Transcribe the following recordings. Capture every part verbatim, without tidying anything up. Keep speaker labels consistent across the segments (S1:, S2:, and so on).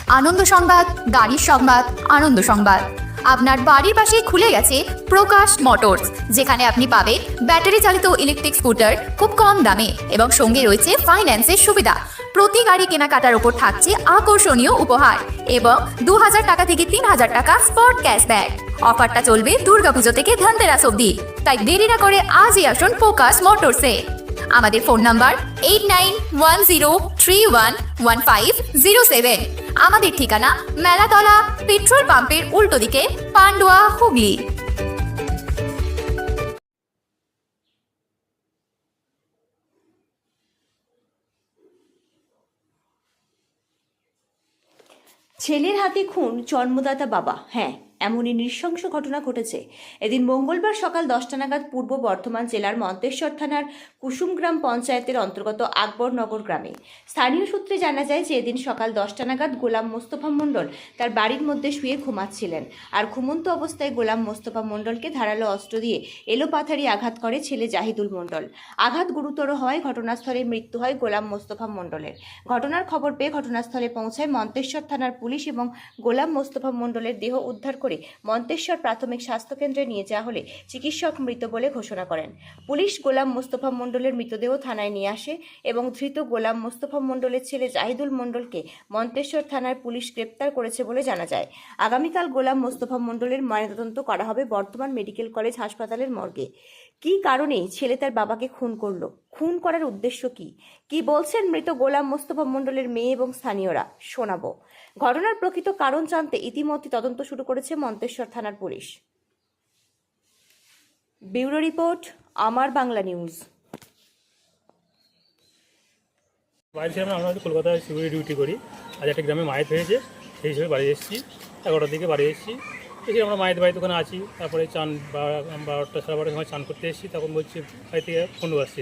S1: আনন্দ সংবাদ, গাড়ির সংবাদ, আনন্দ সংবাদ। আপনার বাড়ির পাশেই খুলে গেছে প্রকাশ মোটরস, যেখানে আপনি পাবেন ব্যাটারি চালিত ইলেকট্রিক স্কুটার খুব কম দামে এবং সঙ্গে রয়েছে ফাইন্যান্সের সুবিধা। প্রতি গাড়ি কেনাকাটার উপর থাকছে আকর্ষণীয় উপহার এবং দু হাজার টাকা থেকে তিন হাজার টাকা স্পট ক্যাশব্যাক। অফারটা চলবে দুর্গাপুজো থেকে ধনতেরাস অবধি, তাই দেরি না করে আজই আসুন প্রকাশ মোটরসে। আমাদের phone number eight nine one zero three one one five zero seven. আমাদের ঠিকানা মেলাতলা, পেট্রোল পাম্পের উল্টো দিকে, পান্ডুয়া, হুগলি।
S2: ছেলের হাতে খুন জন্মদাতা বাবা। হ্যাঁ, এমনই নৃশংস ঘটনা ঘটেছে এদিন মঙ্গলবার সকাল দশটা নাগাদ পূর্ব বর্ধমান জেলার মন্তেশ্বর থানার কুসুমগ্রাম পঞ্চায়েতের অন্তর্গত আকবরনগর গ্রামে। স্থানীয় সূত্রে জানা যায় যে এদিন সকাল দশটা নাগাদ গোলাম মোস্তফা মণ্ডল তার বাড়ির মধ্যে শুয়ে ঘুমাচ্ছিলেন, আর ঘুমন্ত অবস্থায় গোলাম মোস্তফা মণ্ডলকে ধারালো অস্ত্র দিয়ে এলোপাথারি আঘাত করে ছেলে জাহিদুল মণ্ডল। আঘাত গুরুতর হওয়ায় ঘটনাস্থলে মৃত্যু হয় গোলাম মোস্তফা মণ্ডলের। ঘটনার খবর পেয়ে ঘটনাস্থলে পৌঁছায় মন্তেশ্বর থানার পুলিশ এবং গোলাম মোস্তফা মণ্ডলের দেহ উদ্ধার করে মন্তেশ্বর প্রাথমিক স্বাস্থ্যকেন্দ্রে নিয়ে যাওয়া হলে চিকিৎসক মৃত বলে ঘোষণা করেন। পুলিশ গোলাম মোস্তফা মণ্ডলের মৃতদেহ থানায় নিয়ে আসে এবং ধৃত গোলাম মোস্তফা মণ্ডলের ছেলে জাহিদুল মণ্ডলকে মন্তেশ্বর থানার পুলিশ গ্রেপ্তার করেছে বলে জানা যায়। আগামীকাল গোলাম মোস্তফা মণ্ডলের ময়নাতদন্ত করা হবে বর্ধমান মেডিকেল কলেজ হাসপাতালের মর্গে। কি কারণে ছেলে তার বাবাকে খুন করলো, খুন করার উদ্দেশ্য কি কি বলছেন মৃত গোলাম মোস্তফা মণ্ডলের মেয়ে এবং স্থানীয়রা, শোনাবো। ঘটনার প্রকৃত কারণ জানতে ইতিমধ্যে তদন্ত শুরু করেছে মন্তেশ্বর থানার পুলিশ। ব্যুরো রিপোর্ট, আমার বাংলা নিউজ।
S3: বাড়ি ছিলাম, আমরা হয়তো কলকাতায় সিকিউরিটি ডিউটি করি। আজ একটা গ্রামে মায়ের হয়েছে, সেই হিসেবে বাড়ি এসেছি। এগারোটার দিকে বাড়ি এসেছি, এসে আমরা মায়ের বাড়িতে ওখানে আছি। তারপরে চান বারোটা সাড়ে বারোটার সময় চান করতে এসেছি। তখন বলছি বাড়ি থেকে ফোন আসছে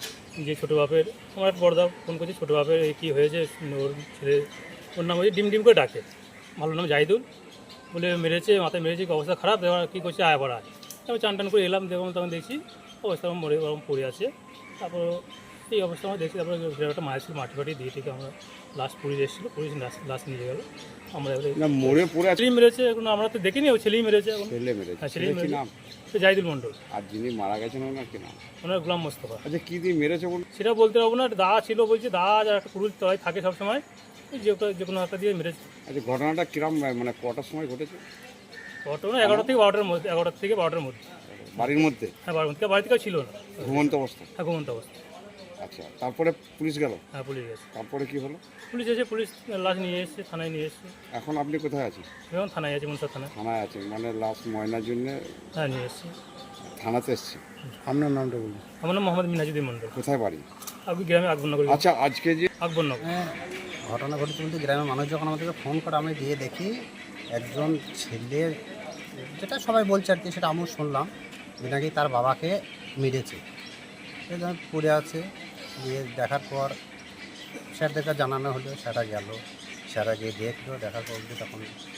S3: যে ছোটো বাপের, আমার বড়দা ফোন করছে, ছোটো বাপের এই কী হয়েছে, ওর ছেলে, ওর নাম হচ্ছে ডিম ডিম করে ডাকে, ভালো নাম জাহিদুল, বলে মেরেছে, মাথায় মেরেছে, অবস্থা খারাপ। এবার কী করছে, আয় পড়া আয়। আমি চান টান করে এলাম, দেখলাম তখন দেখছি অবস্থা মরে ওরকম পড়ে আছে। তারপর এই অবস্থা আমরা দেখছি। তারপরে একটা মায়ের ছিল, মাটি ফাটি দিয়ে থেকে আমরা লাস্ট পুলিশ এসেছিলো, পুলিশ লাশ নিয়ে গেল। আমরা
S4: মরে পড়ে
S3: ছেলেই মেরেছে, এখন আমরা তো দেখিনি, ও ছেলেই মেরেছে। এখন
S4: ছেলে মেরেছে।
S3: হ্যাঁ, ছেলেই মেরেছে। জাহিদুল মণ্ডল।
S4: আর যিনি মারা গেছেন ওনার কি নাম?
S3: ওনার গোলাম মোস্তফা।
S4: আচ্ছা, কি দিয়ে মেরেছে বলুন?
S3: সেটা বলতে পারবো না। দা ছিল বলছে, দা আর একটা কুড়ুল তলায় থাকে সবসময়, যে যে কোনো একটা দিয়ে মেরেছে।
S4: আচ্ছা, ঘটনাটা কিরম, মানে কটার সময় ঘটেছে?
S3: ঘটনা এগারোটা থেকে বারোটার মধ্যে, এগারোটা থেকে বারোটার মধ্যে।
S4: বাড়ির মধ্যে?
S3: হ্যাঁ, বাড়ির মধ্যে। বাড়ি থেকেও ছিল না,
S4: ঘুমন্ত অবস্থা।
S3: হ্যাঁ, ঘুমন্ত অবস্থা।
S4: আচ্ছা, তারপরে পুলিশ গেল?
S3: হ্যাঁ, পুলিশ গেছে।
S4: তারপরে কি হলো?
S3: পুলিশ এসে পুলিশ লাশ নিয়ে এসছে, থানায় নিয়ে এসছে।
S4: এখন আপনি কোথায় আছেন?
S3: এবং থানায় আছে, মনসা থানায়।
S4: থানায় আছেন মানে লাশ ময়নার জন্য?
S3: হ্যাঁ, নিয়ে এসছে।
S4: থানাতে এসছে। আপনার নামটা বলুন।
S3: আমার নাম মোহাম্মদ মিনাজুদ্দিন মণ্ডল।
S4: কোথায় বাড়ি?
S3: আপনি গ্রামে আকবরনগর।
S4: আচ্ছা, আজকে যে
S3: আকবরনগর
S5: হ্যাঁ, ঘটনা ঘটেছে বলতে গ্রামের মানুষ যখন আমাদেরকে ফোন করে, আমি গিয়ে দেখি একজন ছেলে, যেটা সবাই বলছে আর কি, সেটা আমিও শুনলাম, যে নাকি তার বাবাকে মেরেছে। সে যখন পড়ে আছে, গিয়ে দেখার পর স্যারদেরকে জানানো হলো, সেটা গেল, স্যারা গিয়ে দেখলো, দেখার পর তখন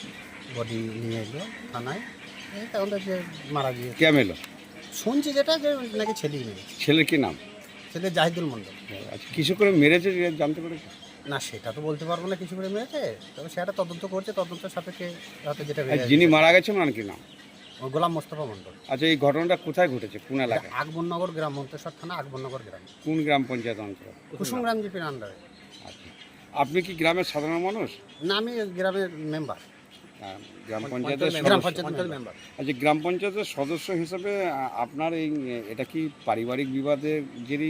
S5: বডি নিয়ে এলো থানায়। এই তখন তো যে মারা গিয়ে
S4: কে এলো
S5: শুনছি, যেটা যে নাকি ছেলেই মেরেছে।
S4: ছেলের কি নাম?
S5: ছেলে জাহিদুল মণ্ডল।
S4: আচ্ছা, কিছু করে মেরেছে জানতে পেরেছে?
S5: না, সেটা তো বলতে পারবো না কিছু করে মেরেছে, তবে সেটা তদন্ত করছে, তদন্তের সাপেক্ষে হয়তো যেটা
S4: আর যিনি মারা গেছেন ওনার কি নাম?
S5: গোলাম মোস্তফা মণ্ডল।
S4: আচ্ছা, এই ঘটনাটা কোথায় ঘটেছে, কোন এলাকায়?
S5: আকবরনগর গ্রাম, মন্তেশ্বর থানা আকবরনগর গ্রাম।
S4: কোন গ্রাম পঞ্চায়েত অঞ্চল?
S5: কুসুমগ্রাম জিপির আন্ডারে।
S4: আচ্ছা, আপনি কি গ্রামের সাধারণ মানুষ?
S5: না, আমি গ্রামের মেম্বার,
S4: আহ, গ্রাম পঞ্চায়েতের
S5: গ্রাম
S4: সদস্য।
S5: পঞ্চায়েতের মেম্বার।
S4: আচ্ছা, গ্রাম পঞ্চায়েতের সদস্য হিসেবে আ- আপনার এই এটা কি পারিবারিক বিবাদের জেরেই?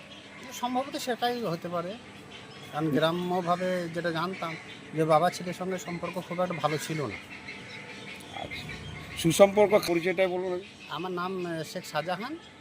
S5: সম্ভবত সেটাই হতে পারে, কারণ গ্রাম্যভাবে যেটা জানতাম যে বাবা ছেলের সঙ্গে সম্পর্ক খুব একটা ভালো ছিল না।
S4: আচ্ছা, সুসম্পর্ক পরিচয়টাই বলুন।
S5: আমার নাম আহ, শেখ শাহজাহান।